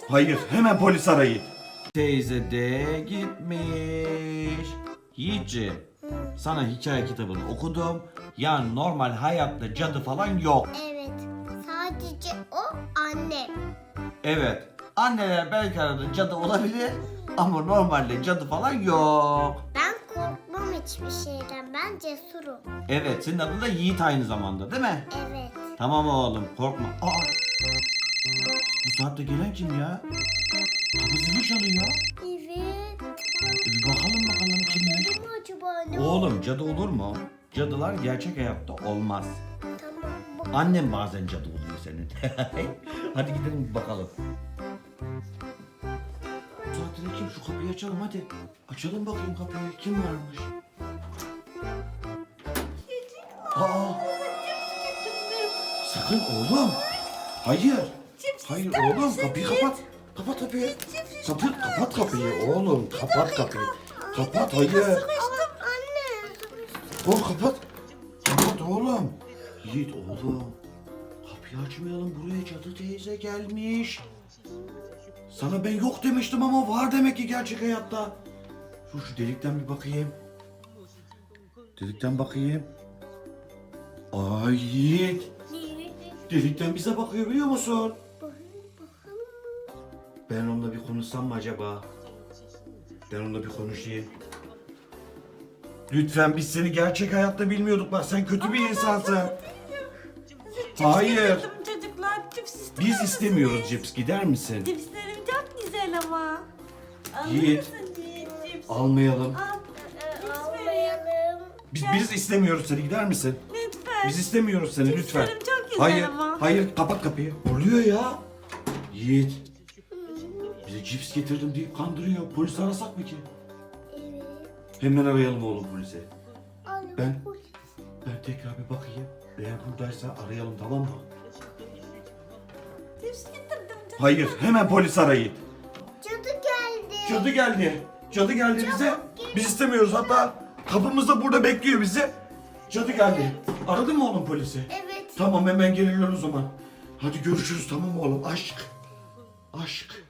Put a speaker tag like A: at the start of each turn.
A: Hayır, hemen polis arayın. Teyze de gitmiş. Yiğitciğim, sana hikaye kitabını okudum. Yani normal hayatta cadı falan yok.
B: Evet. Sadece o anne.
A: Evet, anneler belki arada cadı olabilir ama normalde cadı falan yok.
B: Ben korkmam hiçbir şeyden. Ben cesurum.
A: Evet, senin adın da Yiğit aynı zamanda değil mi?
B: Evet.
A: Tamam oğlum, korkma. Aa, bu saatte gelen kim ya? Kapı zili çalıyor.
B: Evet.
A: Bir bakalım kimmiş?
B: Cadı mı acaba ne?
A: Oğlum cadı olur mu? Cadılar gerçek hayatta olmaz.
B: Tamam.
A: Annem bazen cadı oluyor senin. Hadi gidelim bir bakalım. Bu saatte de kim? Şu kapıyı açalım hadi. Açalım bakayım kapıyı. Kim varmış? Aa! Sakın oğlum. Hayır. Hayır oğlum kapıyı kapat. Kapat kapıyı. Kapat kapıyı oğlum. Kapat kapıyı. Kapat hayır.
B: Anne.
A: Oğlum kapat. Kapat oğlum. Yiğit oğlum. Kapıyı açmayalım, buraya cadı teyze gelmiş. Sana ben yok demiştim ama var demek ki gerçek hayatta. Şu delikten bir bakayım. Delikten bakayım. Ay Yiğit. Delikten bize bakıyor biliyor musun? Ben onunla bir konuşsam mı acaba? Ben onunla bir konuşayım. Lütfen biz seni gerçek hayatta bilmiyorduk bak sen kötü bir insansın. Hayır.
C: Çocuklar cips ister
A: Biz
C: misiniz?
A: istemiyoruz cips gider misin?
C: Cipslerim çok güzel ama. Alır
A: Yiğit.
C: mısın Yiğit cips?
A: Almayalım.
C: Al.
B: Almayalım.
A: Biz istemiyoruz seni gider misin?
C: Lütfen.
A: Biz istemiyoruz seni lütfen.
C: Cipslerim çok güzel
A: Hayır,
C: ama.
A: hayır kapat kapıyı. Oluyor ya. Yiğit. Bize cips getirdim deyip kandırıyor. Polis arasak mı ki?
B: Evet.
A: Hemen arayalım oğlum polisi.
B: Anne.
A: Ben tekrar bir bakayım. Eğer buradaysa arayalım tamam mı?
C: Cips getirdim. Çok
A: Hayır, hemen polis arayın.
B: Cadı geldi.
A: Cadı geldi. Cadı geldi bize. Biz istemiyoruz hatta kapımızda burada bekliyor bizi. Cadı geldi. Aradın mı oğlum polisi?
B: Evet.
A: Tamam hemen geliyoruz o zaman. Hadi görüşürüz tamam mı oğlum? Aşk. Aşk.